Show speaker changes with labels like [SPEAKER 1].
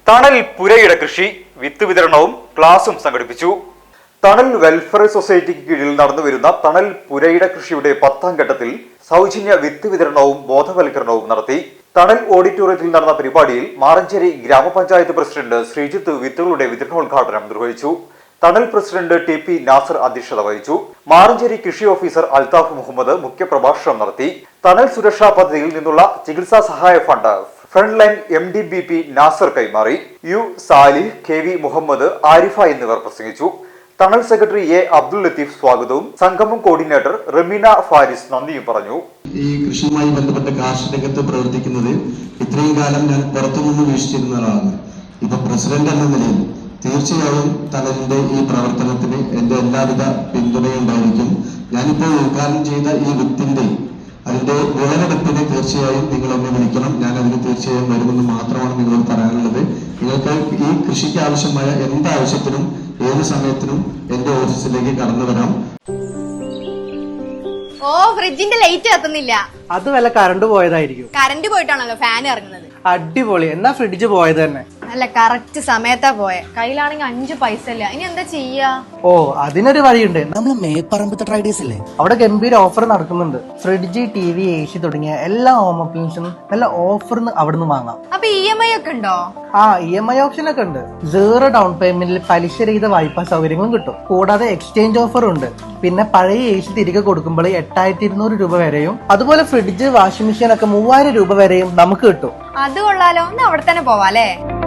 [SPEAKER 1] തണൽ പുരയിട കൃഷി വിത്ത് വിതരണവും ക്ലാസും സംഘടിപ്പിച്ചു. തണൽ വെൽഫെയർ സൊസൈറ്റിക്ക് കീഴിൽ നടന്നുവരുന്ന തണൽ പുരയിട കൃഷിയുടെ 10ാം ഘട്ടത്തിൽ സൗജന്യ വിത്ത് വിതരണവും ബോധവൽക്കരണവും നടത്തി. തണൽ ഓഡിറ്റോറിയത്തിൽ നടന്ന പരിപാടിയിൽ മാറഞ്ചേരി ഗ്രാമപഞ്ചായത്ത് പ്രസിഡന്റ് ശ്രീജിത്ത് വിത്തുകളുടെ വിതരണോദ്ഘാടനം നിർവഹിച്ചു. തണൽ പ്രസിഡന്റ് ടി പി നാസർ അധ്യക്ഷത വഹിച്ചു. മാറഞ്ചേരി കൃഷി ഓഫീസർ അൽതാഫ് മുഹമ്മദ് മുഖ്യപ്രഭാഷണം നടത്തി. തണൽ സുരക്ഷാ പദ്ധതിയിൽ നിന്നുള്ള ചികിത്സാ സഹായ fund front line MDBP Nasar കൈമാറി. യു സാലിഹ്, KV മുഹമ്മദ്, ആരിഫ എന്നിവർ പ്രസംഗിച്ചു. തണൽ സെക്രട്ടറി A അബ്ദുൽ ലത്തീഫ് സ്വാഗതവും സംഗമം കോർഡിനേറ്റർ റമീന ഫാരിസ് നന്ദിയും പറഞ്ഞു.
[SPEAKER 2] ഈ കൃഷിയുമായി ബന്ധപ്പെട്ട കാർഷിക രംഗത്ത് പ്രവർത്തിക്കുന്നത് ഇത്രയും കാലം ഞാൻ പുറത്തുനിന്ന് വീക്ഷിച്ചിരുന്ന ആളാണ്. ഇപ്പൊ പ്രസിഡന്റ് എന്ന നിലയിൽ തീർച്ചയായും തണലിന്റെ ഈ പ്രവർത്തനത്തിന് എന്റെ എല്ലാവിധ പിന്തുണയുണ്ടായിരിക്കും. ഞാനിപ്പോൾ ഉദ്ഘാടനം ചെയ്ത ഈ വിത്തിന്റെ അതിന്റെ വിളവെടുപ്പിനെ തീർച്ചയായും നിങ്ങളൊന്ന് വിളിക്കണം. ഞാൻ അതിന് തീർച്ചയായും വരുമെന്ന് മാത്രമാണ് നിങ്ങളോട് പറയാനുള്ളത്. നിങ്ങൾക്ക് ഈ കൃഷിക്ക് ആവശ്യമായ എന്താവശ്യത്തിനും ഏത് സമയത്തിനും എന്റെ ഓഫീസിലേക്ക് കടന്നു വരാം.
[SPEAKER 3] ഓ, ഫ്രിഡ്ജിന്റെ ലൈറ്റ് കത്തുന്നില്ല.
[SPEAKER 4] അത് വല്ല കറണ്ട് പോയതായിരിക്കും.
[SPEAKER 3] കറണ്ട് പോയിട്ടാണല്ലോ ഫാൻ ഇറങ്ങുന്നത്.
[SPEAKER 4] അടിപൊളി. എന്നാ ഫ്രിഡ്ജ് പോയത് തന്നെ.
[SPEAKER 3] അല്ല, കറക്റ്റ് സമയത്താ പോയെ. കയ്യിലാണെങ്കിൽ 5 പൈസ ഇല്ല. ഇനി എന്താ ചെയ്യാ?
[SPEAKER 4] ഓ, അതിനൊരു വഴിയുണ്ട്.
[SPEAKER 5] നമ്മള് മേപ്പറമ്പത്തെ ട്രേഡേഴ്സ് അല്ലേ,
[SPEAKER 4] അവിടെ ഗംഭീര ഓഫർ നടക്കുന്നുണ്ട്. ഫ്രിഡ്ജ്, TV, AC തുടങ്ങിയ എല്ലാ ഹോം അപ്ലയൻസും നല്ല ഓഫറിന് അവിടുന്ന് വാങ്ങാം.
[SPEAKER 3] അപ്പൊ EMI ഒക്കെ ഉണ്ടോ?
[SPEAKER 4] ആ, EMI ഓപ്ഷൻ ഒക്കെ ഉണ്ട്. 0 ഡൗൺ പേയ്മെന്റിൽ പലിശരഹിത വായ്പാ സൗകര്യങ്ങളും കിട്ടും. കൂടാതെ എക്സ്ചേഞ്ച് ഓഫറും ഉണ്ട്. പിന്നെ പഴയ AC തിരികെ കൊടുക്കുമ്പോൾ 8200 രൂപ വരെയും, അതുപോലെ ഫ്രിഡ്ജ്, വാഷിംഗ് മെഷീൻ ഒക്കെ 3000 രൂപ വരെയും നമുക്ക് കിട്ടും.
[SPEAKER 3] അത് കൊള്ളാലോ. ഒന്ന് അവിടെ തന്നെ പോവാല്ലേ?